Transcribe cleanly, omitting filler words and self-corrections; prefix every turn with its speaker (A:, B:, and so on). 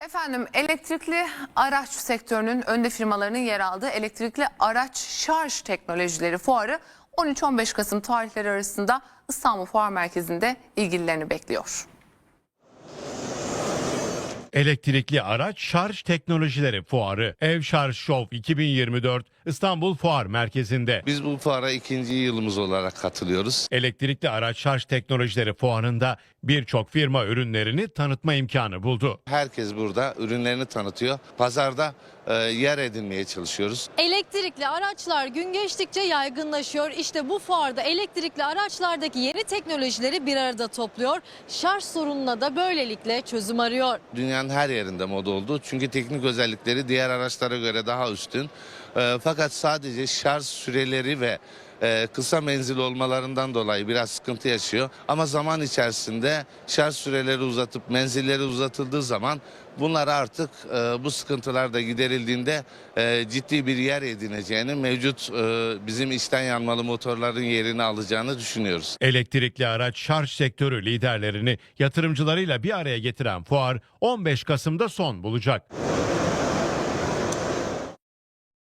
A: Efendim, elektrikli araç sektörünün önde firmalarının yer aldığı elektrikli araç şarj teknolojileri fuarı 13-15 Kasım tarihleri arasında İstanbul Fuar Merkezi'nde ilgililerini bekliyor.
B: Elektrikli araç şarj teknolojileri fuarı Ev Şarj Show 2024 İstanbul Fuar Merkezi'nde.
C: Biz bu fuara ikinci yılımız olarak katılıyoruz.
B: Elektrikli araç şarj teknolojileri fuarında birçok firma ürünlerini tanıtma imkanı buldu.
C: Herkes burada ürünlerini tanıtıyor. Pazarda yer edinmeye çalışıyoruz.
D: Elektrikli araçlar gün geçtikçe yaygınlaşıyor. İşte bu fuarda elektrikli araçlardaki yeni teknolojileri bir arada topluyor. Şarj sorununa da böylelikle çözüm arıyor.
C: Dünyanın her yerinde moda oldu. Çünkü teknik özellikleri diğer araçlara göre daha üstün. Fakat sadece şarj süreleri ve kısa menzil olmalarından dolayı biraz sıkıntı yaşıyor. Ama zaman içerisinde şarj süreleri uzatıp menzilleri uzatıldığı zaman bunlar artık bu sıkıntılar da giderildiğinde ciddi bir yer edineceğini, mevcut bizim içten yanmalı motorların yerini alacağını düşünüyoruz.
B: Elektrikli araç şarj sektörü liderlerini yatırımcılarıyla bir araya getiren fuar 15 Kasım'da son bulacak.